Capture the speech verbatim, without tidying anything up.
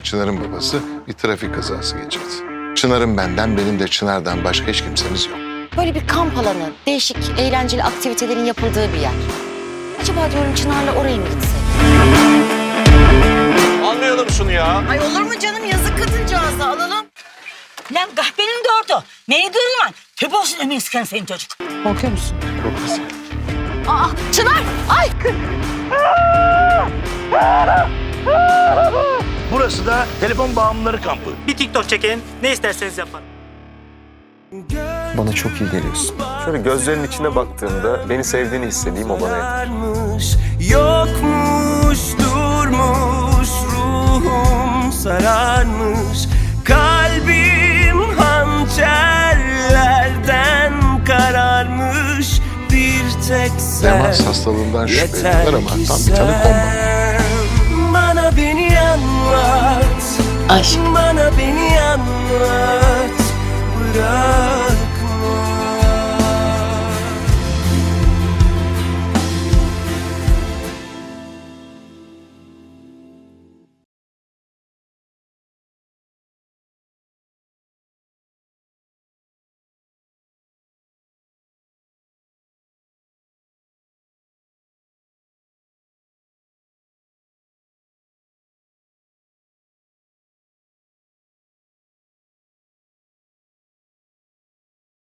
Çınar'ın babası bir trafik kazası geçirdi. Çınar'ın benden, benim de Çınar'dan başka hiç kimsemiz yok. Böyle bir kamp alanı, değişik, eğlenceli aktivitelerin yapıldığı bir yer. Acaba diyorum Çınar'la oraya mı gitsek? Almayalım şunu ya. Ay olur mu canım, yazık kadıncağıza, alalım. Lan kahvenin de orada. Neyi duruyorsun? Tüp olsun emin sıkan senin çocuk. Korkuyor musun? Korkmasın. Aa, Çınar! Ay! Burası da telefon bağımlıları kampı. Bir TikTok çekin, ne isterseniz yapın. Bana çok iyi geliyorsun. Şöyle gözlerinin içine baktığımda beni sevdiğini hissedeyim, o bana yeter. Yokmuş, durmuş, ruhum sararmış. Kalbim hançerlerden kararmış. Bir tek sen Demans hastalığından yeter şüpheliler ama ki tam bir tanı konmadı. sen bana beni anlat. Aşk. Bana beni anlat.